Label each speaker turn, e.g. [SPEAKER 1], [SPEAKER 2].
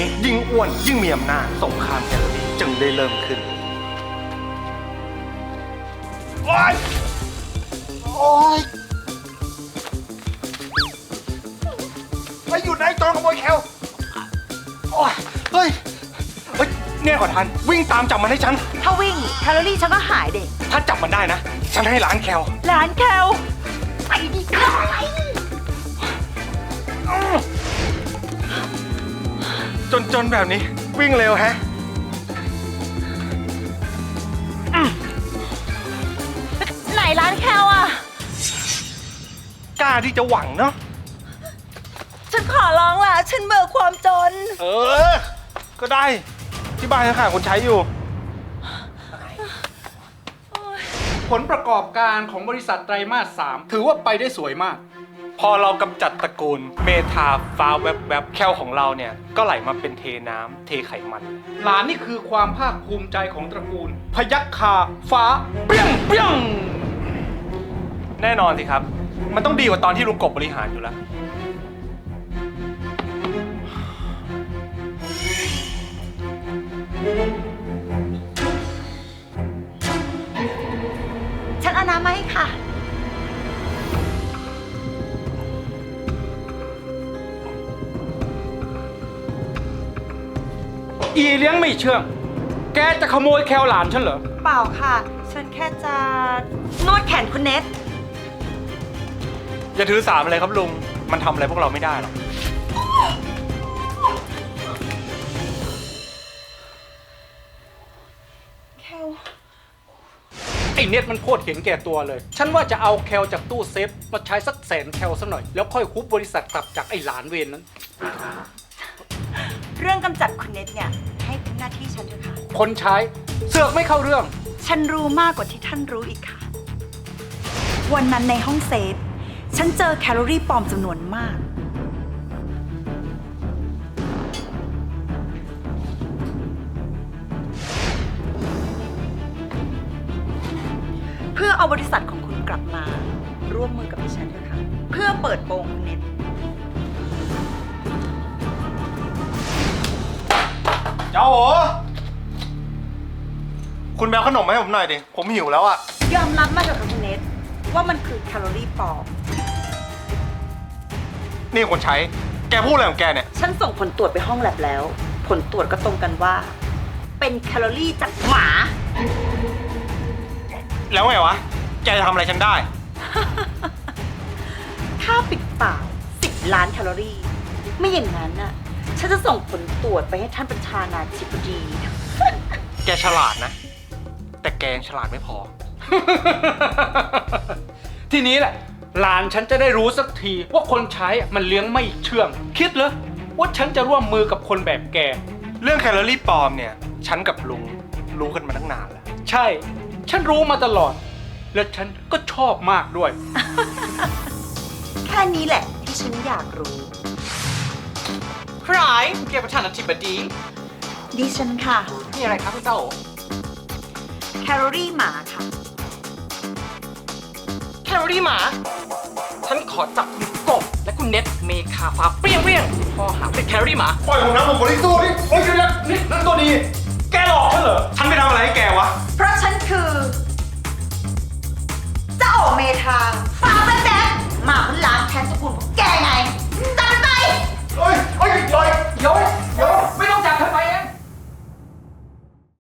[SPEAKER 1] นี้ยิ่งอ้วนยิ่งมีอำนาจสงครามแคลอรี่จึงได้เริ่มขึ้นโอ๊ยโอ๊ยไปอยู่ไหนโจรขโมยแคลโอ๊ยเฮ้ยเนี่ยขอทันวิ่งตามจับมันให้ฉัน
[SPEAKER 2] ถ้าวิ่งแคลอรี่ฉันก็หายเด็ก
[SPEAKER 1] ถ้าจับมันได้นะฉันให้ล้านแคล
[SPEAKER 2] ร้านแคลไปดีกว่า
[SPEAKER 1] จนแบบนี้วิ่งเร็วแฮะ
[SPEAKER 2] ไหนร้านแคลอ่ะ
[SPEAKER 1] กล้าที่จะหวังเนาะ
[SPEAKER 2] ฉันขอร้องล่ะ ฉันเบื่อความจน
[SPEAKER 1] ก็ได้ที่บ้านยังขาดคนใช้อยู่
[SPEAKER 3] ผลประกอบการของบริษัทไตรมาส 3ถือว่าไปได้สวยมาก
[SPEAKER 1] พอเรากำจัดตระกูลเมทาฟ้าแวบแคลของเราเนี่ยก็ไหลมาเป็นเทน้ำเทไขมัน
[SPEAKER 3] หลานนี่คือความภาคภูมิใจของตระกูล พยัคฆาฟ้าเปรี้ยงเปรี้ยง
[SPEAKER 1] แน่นอนสิครับ มันต้องดีกว่าตอนที่ลุงกบบริหารอยู่แล้ว
[SPEAKER 2] ฉันเอาน้ำมาให้ค่ะ
[SPEAKER 3] อีเลี้ยงไม่เชื่อง แกจะขโมยแคลหลานฉันเหรอ
[SPEAKER 2] เปล่าค่ะ ฉันแค่จะนวดแขนคุณเนท
[SPEAKER 1] อย่าถือสามอะไรครับลุง มันทำอะไรพวกเราไม่ได้หรอก
[SPEAKER 2] แคล
[SPEAKER 3] ไอ้เน็ตมันโคตรเห็นแก่ตัวเลย ฉันว่าจะเอาแคลจากตู้เซฟมาใช้สัก100,000 แคลซะหน่อย แล้วค่อยคุบบริษัทกลับจากไอ้หลานเวรนั้น
[SPEAKER 2] เรื่องกำจัดคุณเนทเนี่ย ให้เป็นหน้าที่ฉันเถอะค่ะ
[SPEAKER 3] คนใช้เสือกไม่เข้าเรื่อง
[SPEAKER 2] ฉันรู้มากกว่าที่ท่านรู้อีกค่ะ วันนั้นในห้องเซฟ ฉันเจอแคลอรี่ปลอมจำนวนมาก เพื่อเอาบริษัทของคุณกลับมา ร่วมมือกับดิฉันเถอะค่ะ เพื่อเปิดโปงคุณเน็ต
[SPEAKER 1] เจ้าโหคุณแมวขนมมาให้ผมหน่อยดิ ผมหิวแล้วอะ
[SPEAKER 2] ยอมรับมาเถอะค่ะคุณเน็ตว่ามันคือแคลอรี่ปลอม
[SPEAKER 1] นี่คนใช้ แกพูดอะไรของแกเนี่ย
[SPEAKER 2] ฉันส่งผลตรวจไปห้องแลบแล้ว ผลตรวจก็ตรงกันว่า เป็นแคลอรี่จากหมา
[SPEAKER 1] แล้วไงวะ แกจะทำอะไรฉันได้
[SPEAKER 2] ค่าปิดปาก10 ล้านแคลอรี่ ไม่อย่างนั้นน่ะ ฉันจะส่งผลตรวจไปให้ท่านประธานาธิบดี
[SPEAKER 1] แกฉลาดนะ แต่แกยังฉลาดไม่พอ
[SPEAKER 3] ทีนี้แหละ หลานฉันจะได้รู้สักทีว่าคนใช้มันเลี้ยงไม่เชื่อง คิดเหรอว่าฉันจะร่วมมือกับคนแบบแก
[SPEAKER 1] เรื่องแคลอรี่ปลอมเนี่ย ฉันกับลุงรู้กันมาตั้งนานแล้ว
[SPEAKER 3] ใช่ ฉันรู้มาตลอด และฉันก็ชอบมากด้วย
[SPEAKER 2] แค่นี้แหละที่ฉันอยากรู้
[SPEAKER 4] ใครเกียรติประธานาธิบดี
[SPEAKER 2] ดิฉันค่ะ
[SPEAKER 4] นี่อะไรครับคุณเจ้าโอ
[SPEAKER 2] แคลอรี่หมาค่ะ
[SPEAKER 4] แคลอรี่หมา ฉันขอจับคุณกบและคุณเน็ตเมคาฟ้าเปรี้ยงเปรี้ยงพอหาเป็นแคลอรี่หมา
[SPEAKER 1] ปล่อยผมนะผมบริสุทธิ์เฮ้ยนี่นั่นตัวดี แกหลอกฉันเหรอ ฉันไปทำอะไรให้แกวะ
[SPEAKER 2] เพราะฉันคือ เจ้าเมทาฟ้าแบ๊บๆหมาคนล้างแค้นสกุลของแกไงจำมันไป
[SPEAKER 1] เฮ้ย
[SPEAKER 4] ยก